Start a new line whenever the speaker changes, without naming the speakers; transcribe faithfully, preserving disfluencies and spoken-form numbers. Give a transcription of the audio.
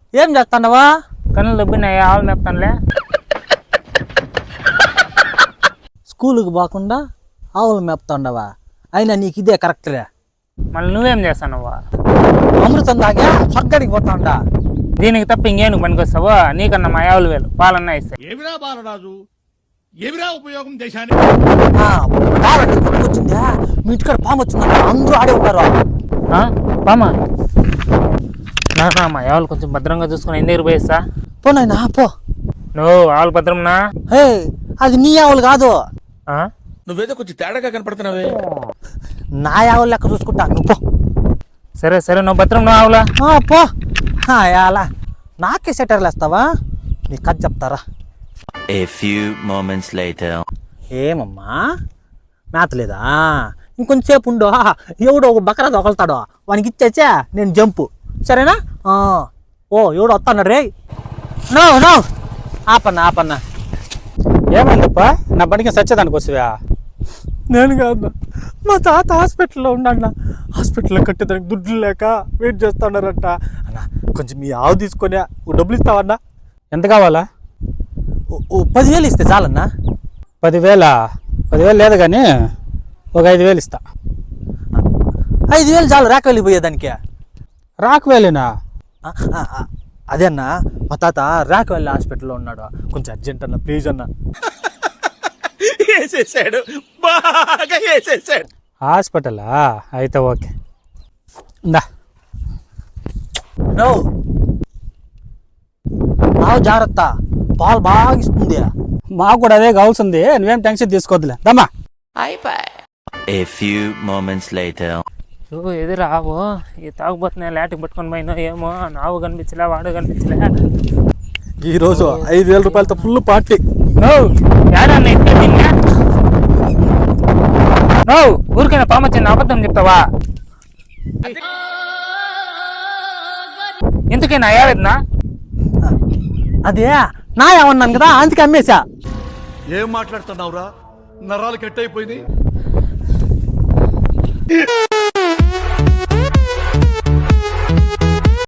ఏం చేస్తాండవా?
కన్నులు దొబ్బినాయి, ఆవులు మేపుతానులే.
స్కూలుకి పోకుండా ఆవులు మేపుతాండవా? అయినా నీకు ఇదే కరెక్ట్లే.
మళ్ళీ నువ్వేం చేస్తానవ్వా?
అమృతం దాగా స్వర్గానికి పోతాండా.
దీనికి తప్ప ఇంకేం పనికొస్తావో? నీకన్నా మా ఆవులు వేలు పాలన్నా ఇస్తాయి.
ఏమిరా బాలరాజు, ఏమిరా ఉపయోగం దేశానికి?
వచ్చిందా మీ ఇంటికాడ పాము వచ్చిందంట, అందరూ ఆడే ఉంటారు.
పామా? నా మా ఆవులు కొంచెం భద్రంగా చూసుకుని ఎన్ని దగ్గర పోయిస్తా.
పోనాయినా పో.
నువ్వు ఆవులు భద్రంనా?
హే, అది నీ ఆవులు కాదు.
నువ్వేదో కొంచెం తేడాగా కనపడుతున్నావే.
నా ఆవులు లెక్క చూసుకుంటా, నువ్వు పో.
సరే సరే, నువ్వు భద్రం నువ్వు ఆవులా
పో. అలా నాకే సెటర్లు వేస్తావా? నీ కథ చెప్తారా?
A few moments later.
ఏమమ్మా మేతలేదా? ఇంకొంచెంసేపు ఉండు, ఎవడో ఒక బకరా దొకలుతాడో వానికి ఇచ్చేచ్చా నేను జంపు, సరేనా? ఓ ఎవడో వస్తాడు రే. No no ఆపన్నా ఆపన్నా.
ఏమైందప్ప? నా బండికి సచ్చేదానికి వస్తువా?
నేను కాదు, మా తాత హాస్పిటల్లో ఉన్నాడన్న. హాస్పిటల్లో కట్టేదానికి దుడ్లు లేక వెయిట్ చేస్తున్నారంట అన్న. కొంచెం మీ ఆవు తీసుకొని డబ్బులు ఇస్తావన్నా?
ఎంత కావాలా?
ఓ పదివేలు ఇస్తే చాలన్నా.
పదివేలా? పదివేలు లేదు కానీ ఒక ఐదు వేలు ఇస్తా.
ఐదు వేలు చాలు రాక వెళ్ళిపోయేదానికి.
రాకువేలేనా?
అదే అన్న, మా తాత రాకవెల్లి హాస్పిటల్లో ఉన్నాడు, కొంచెం అర్జెంట్ అన్న ప్లీజ్ అన్న.
వేసేసాడు, బాగా వేసేసాడు.
హాస్పిటలా? అయితే ఓకే, ఇందా.
నో ఆవు జాగ్రత్త, పాలు బాగా ఇస్తుంది.
మాకు కూడా అదే కావాల్సింది, నువ్వేం టెన్షన్ తీసుకోవద్దులే దమ్మా.
A few moments later.
నువ్వు ఎదురు ఆవు ఈ తాగుబోతున్నాయి, లాటికి పట్టుకొని పోయినా ఏమో. నావు కనిపించలే, వాడు కనిపించలే.
ఈరోజు ఐదు వేల రూపాయలతో ఫుల్ పార్టీ.
ఏడన్నా ఇస్తే నిన్న నువ్వు ఊరికైనా పామొచ్చింది అబద్ధం చెప్తావా? ఎందుకైనా ఏడన్నా?
అదే నా ఏమన్నాను కదా, అందుకే అమ్మేశా.
ఏం మాట్లాడుతున్నావురా? నరాలు కట్ అయిపోయింది.